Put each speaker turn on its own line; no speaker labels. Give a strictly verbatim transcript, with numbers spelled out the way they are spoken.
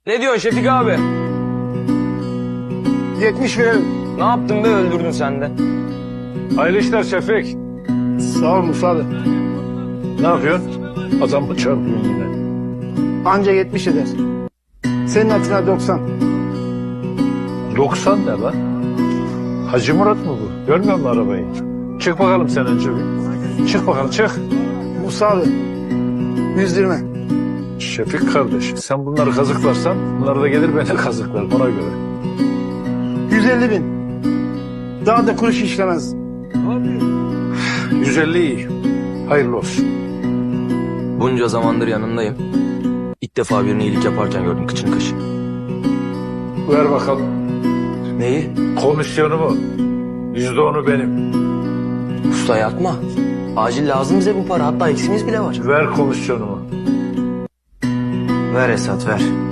Ne diyorsun Şefik abi?
yetmiş verelim.
Ne yaptın be, öldürdün sen de.
Hayırlı işler Şefik.
Sağ ol Musa abi.
Ne yapıyorsun? Adam mı çarpıyorsun yine?
Anca yetmiş eder. Senin hatırına doksan.
doksan ne lan? Hacı Murat mı bu? Görmüyor musun arabayı? Çık bakalım sen önce bir. Çık bakalım çık.
Musa abi. yüz yirmi.
Şefik kardeş sen bunları kazıklarsan bunlar da gelir beni kazıklar ona göre.
yüz elli bin. Daha da kuruş işlemez.
yüz elli iyi. Hayırlı olsun.
Bunca zamandır yanındayım. İlk defa birine iyilik yaparken gördüm kıçını kaşı.
Ver bakalım.
Neyi?
Komisyonumu. Yüzde onu benim.
Usta yapma. Acil lazım bize bu para. Hatta eksimiz bile var.
Ver komisyonumu.
Ver Esat ver.